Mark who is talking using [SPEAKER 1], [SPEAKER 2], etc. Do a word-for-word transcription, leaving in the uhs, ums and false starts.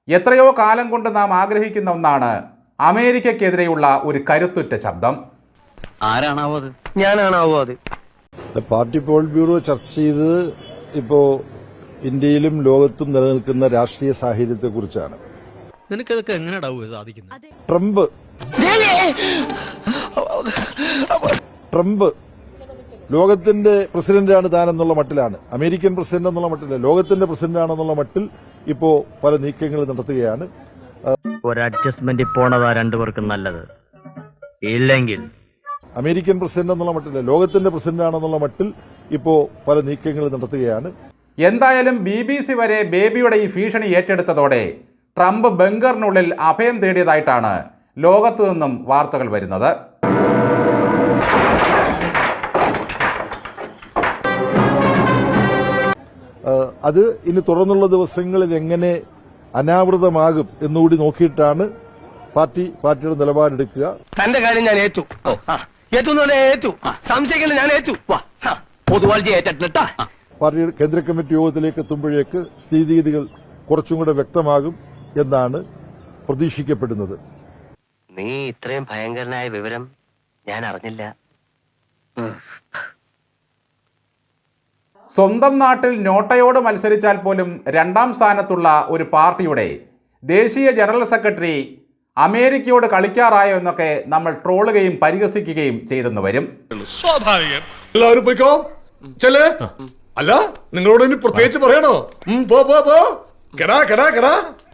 [SPEAKER 1] എത്രയോ കാലം കൊണ്ട് നാം ആഗ്രഹിക്കുന്ന ഒന്നാണ് അമേരിക്കക്കെതിരെയുള്ള ഒരു കരുത്തുറ്റ ശബ്ദം.
[SPEAKER 2] ആരാണാവോ അത്?
[SPEAKER 3] ഞാനാണാവോ അത്?
[SPEAKER 4] പാർട്ടി പോൾ ബ്യൂറോ ചർച്ച ചെയ്തത് ഇപ്പോ ഇന്ത്യയിലും ലോകത്തും നിലനിൽക്കുന്ന രാഷ്ട്രീയ സാഹചര്യത്തെക്കുറിച്ചാണ്.
[SPEAKER 5] നിനക്കതൊക്കെ എങ്ങനെയാ സാധിക്കുന്നത്?
[SPEAKER 4] ട്രംപ് ട്രംപ് ലോകത്തിന്റെ പ്രസിഡന്റാണ് താനെന്നുള്ള മട്ടിലാണ്, അമേരിക്കൻ പ്രസിഡന്റ് എന്നുള്ള മട്ടില്ല, ലോകത്തിന്റെ പ്രസിഡന്റാണെന്നുള്ള മട്ടിൽ ഇപ്പോ പല നീക്കങ്ങൾ നടത്തുകയാണ്.
[SPEAKER 2] ഒരു അഡ്ജസ്റ്റ്മെന്റ് പോണതാ രണ്ടുപേർക്കും നല്ലത്. ഇല്ലെങ്കിൽ
[SPEAKER 4] അമേരിക്കൻ പ്രസിഡന്റ് എന്നുള്ള മട്ടില്ല, ലോകത്തിന്റെ പ്രസിഡന്റാണെന്നുള്ള മട്ടിൽ ഇപ്പോ പല നീക്കങ്ങൾ നടത്തുകയാണ്.
[SPEAKER 1] എന്തായാലും ബി ബി സി വരെ ബേബിയുടെ ഈ ഭീഷണി ഏറ്റെടുത്തതോടെ ട്രംപ് ബങ്കറിനുള്ളിൽ അഭയം തേടിയതായിട്ടാണ് ലോകത്തു നിന്നും വാർത്തകൾ വരുന്നത്.
[SPEAKER 4] അത് ഇനി തുടർന്നുള്ള ദിവസങ്ങളിൽ എങ്ങനെ അനാവൃതമാകും എന്നുകൂടി നോക്കിയിട്ടാണ് പാർട്ടി പാർട്ടിയുടെ നിലപാടെടുക്കുക.
[SPEAKER 3] തന്റെ കാര്യം ഞാൻ ഏറ്റു ഏറ്റു ഏറ്റു സംശയിക്കില്ല, ഞാൻ ഏറ്റു. പൊതുവാൾജി ഏറ്റിട്ടാ
[SPEAKER 4] പാർട്ടി കേന്ദ്ര കമ്മിറ്റി യോഗത്തിലേക്ക് എത്തുമ്പോഴേക്ക് സ്ഥിതിഗതികൾ കുറച്ചും കൂടെ വ്യക്തമാകും എന്നാണ് പ്രതീക്ഷിക്കപ്പെടുന്നത്.
[SPEAKER 6] നീ ഇത്രയും ഭയങ്കരനായ വിവരം ഞാൻ അറിഞ്ഞില്ല.
[SPEAKER 1] സ്വന്തം നാട്ടിൽ നോട്ടയോട് മത്സരിച്ചാൽ പോലും രണ്ടാം സ്ഥാനത്തുള്ള ഒരു പാർട്ടിയുടെ ദേശീയ ജനറൽ സെക്രട്ടറി അമേരിക്കയോട് കളിക്കാറായോ എന്നൊക്കെ നമ്മൾ ട്രോളുകയും പരിഹസിക്കുകയും ചെയ്തെന്ന് വരും.
[SPEAKER 7] സ്വാഭാവികം. എല്ലാവരും പോയിക്കോ. ചെല്ലേ. അല്ല, നിങ്ങളോട് ഇനി പ്രത്യേകിച്ച് പറയണോ? പോ പോ പോ. കെടാ കെടാ കെടാ.